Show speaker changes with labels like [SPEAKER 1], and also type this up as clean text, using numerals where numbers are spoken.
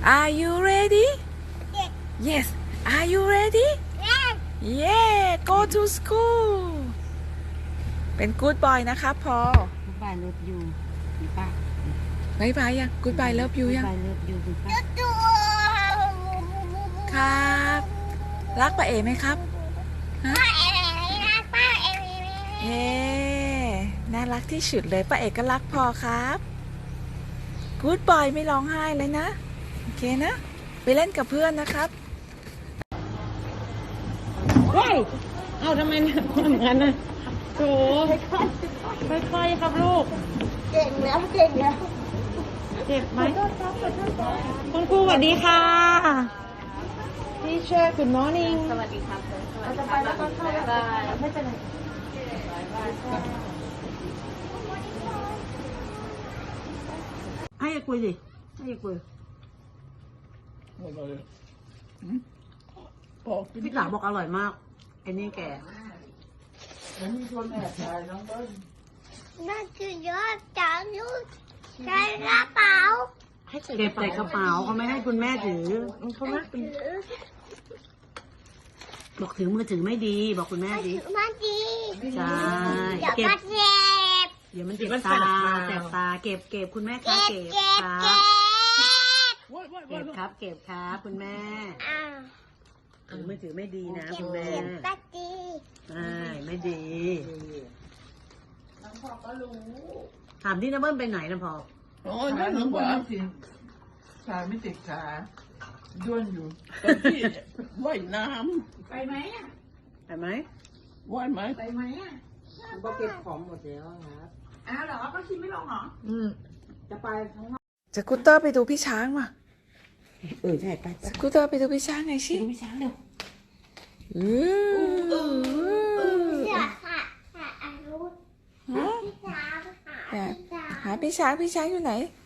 [SPEAKER 1] Are you ready? Yes. Are you ready? Yeah. Go to school. เป็น good boy นะครับพอ
[SPEAKER 2] Goodbye love you มีป่ะ
[SPEAKER 1] บายบายยัง Goodbye love you ยัง
[SPEAKER 2] Goodbye love you มีป่ะ
[SPEAKER 1] ครับ รักป้าเอ๋ไหมครับฮะเย้น่ารักที่สุดเลยป้าเอ๋ก็รักพอครับ Good boy ไม่ร้องไห้เลยนะ โอเคนะ ไปเล่นกับเพื่อนนะครับ
[SPEAKER 2] เฮ้ยเอาทำไมหนักเหมือนกันนะโถค่อยๆครับลูก
[SPEAKER 3] เก่งแล้วเก่งแล้ว
[SPEAKER 2] เจ็บไหมคุณครูสวัสดีค่ะพี่เชอร์ Good morning
[SPEAKER 3] สวัสดีครับเราจะไปแล้วก็เข้าแล้วไม่เป็นไร
[SPEAKER 2] ให้คุยสิให้คุยพี่สาวบอกอร่อยมากไอ้นี่แก
[SPEAKER 3] นั่นคือยอดจางยุทธใช้กระเป๋า
[SPEAKER 2] เก็บใส่กระเป๋าเขาไม่ให้คุณแม่ถือบอกถือมือถือไม่ดีบอกคุณแม่ดิ
[SPEAKER 3] มาดี
[SPEAKER 2] ใช่
[SPEAKER 3] เดี๋ยว
[SPEAKER 2] เก็บ
[SPEAKER 3] มาเจ็บ
[SPEAKER 2] เดี๋ยวมันเจ็บตาแสบตาเก็บคุณแม่คะ
[SPEAKER 3] เก็บ
[SPEAKER 2] เก็บ
[SPEAKER 3] เก็บ
[SPEAKER 2] ครั
[SPEAKER 3] เก็
[SPEAKER 2] บบ เก็บครับเก็บครับคุณแม่
[SPEAKER 3] อ้าว
[SPEAKER 2] ถือมือถือไม่ดีนะ
[SPEAKER 3] เก็
[SPEAKER 2] คุ
[SPEAKER 3] บ
[SPEAKER 2] ณแม่
[SPEAKER 3] เก็บตาดี
[SPEAKER 2] ไม่ดีถามที่น้าเบิ้ลไปไหนนะพอ
[SPEAKER 4] โอ้ยนั่นหนูบอกขาไม่ติดขาด้วนอยู่ตอนที่ว่ายน้
[SPEAKER 1] ไปไหมอ่ะ
[SPEAKER 2] ไปไหม
[SPEAKER 4] ำว่ายไหม
[SPEAKER 1] ไปไหมอ่ะ
[SPEAKER 2] ก็เก็บของหมดแล้วครับ
[SPEAKER 1] อ้าวเหรอก็คิดไม่ลงเหรอ
[SPEAKER 2] จะไปข้างนอก
[SPEAKER 1] สกูตเตอร์ไปดูพี่ช้างว่ะ
[SPEAKER 2] ใช่ไป
[SPEAKER 1] สกูตเตอร์ไปดูพี่ช้างไงชิ
[SPEAKER 2] ไม่ช้าเร็ว
[SPEAKER 3] เสือค่ะค่ะอารุณพี่สาวค่ะพี่สาว
[SPEAKER 1] หาพี่ช้างอยู่ไหน